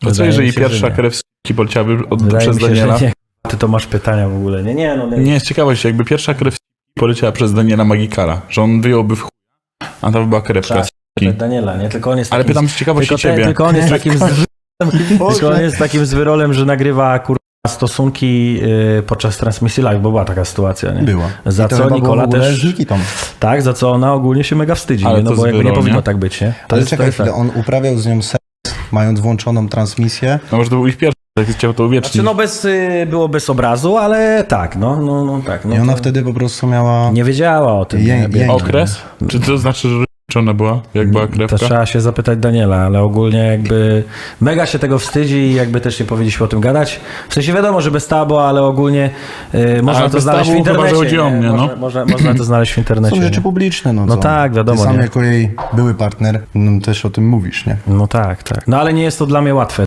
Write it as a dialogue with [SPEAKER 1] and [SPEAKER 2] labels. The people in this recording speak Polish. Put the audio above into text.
[SPEAKER 1] To co jeżeli pierwsza krew z poleciałaby przez Daniela?
[SPEAKER 2] Nie. Ty to masz pytania w ogóle. Nie.
[SPEAKER 1] Nie, z ciekawości, jakby pierwsza krew poleciała przez Daniela Magikara, że on wyjąłby w chuj, a to by była krewka.
[SPEAKER 2] Daniela, nie? Tylko on jest
[SPEAKER 1] Ale
[SPEAKER 2] takim,
[SPEAKER 1] pytam z ciekawości ciebie.
[SPEAKER 2] Tylko on jest takim tylko on jest takim zwyrolem, że nagrywa stosunki podczas transmisji live, bo była taka sytuacja, nie?
[SPEAKER 3] Była.
[SPEAKER 2] Za co Nikola też...
[SPEAKER 3] z Nikitą.
[SPEAKER 2] Tak, za co ona ogólnie się mega wstydzi,
[SPEAKER 1] Ale
[SPEAKER 2] nie? No
[SPEAKER 1] to
[SPEAKER 2] bo jakby nie
[SPEAKER 1] zwyrol,
[SPEAKER 2] powinno
[SPEAKER 1] nie?
[SPEAKER 2] tak być, nie?
[SPEAKER 3] Ale czekaj chwilę, on uprawiał z nią seks, mając włączoną transmisję.
[SPEAKER 1] No może to był ich pierwszy, jak chciał to uwiecznić.
[SPEAKER 2] Znaczy, było bez obrazu, ale tak, no tak. No
[SPEAKER 3] I ona
[SPEAKER 2] to
[SPEAKER 3] wtedy po prostu miała...
[SPEAKER 2] nie wiedziała o tym.
[SPEAKER 1] Okres? Czy to znaczy, że ona była, jak była krewka?
[SPEAKER 2] To trzeba się zapytać Daniela, ale ogólnie jakby mega się tego wstydzi i jakby też nie powinniśmy o tym gadać. W sensie wiadomo, że bez tabu, ale ogólnie można to
[SPEAKER 1] bez
[SPEAKER 2] znaleźć w
[SPEAKER 1] tabu chyba,
[SPEAKER 2] internecie.
[SPEAKER 1] że chodzi o mnie, no.
[SPEAKER 2] Można to znaleźć w internecie.
[SPEAKER 3] Są rzeczy
[SPEAKER 2] nie?
[SPEAKER 3] publiczne, no
[SPEAKER 2] No
[SPEAKER 3] co?
[SPEAKER 2] tak, wiadomo,
[SPEAKER 3] Ty sam
[SPEAKER 2] nie?
[SPEAKER 3] jako jej były partner, no, też o tym mówisz, nie?
[SPEAKER 2] No tak. No ale nie jest to dla mnie łatwe.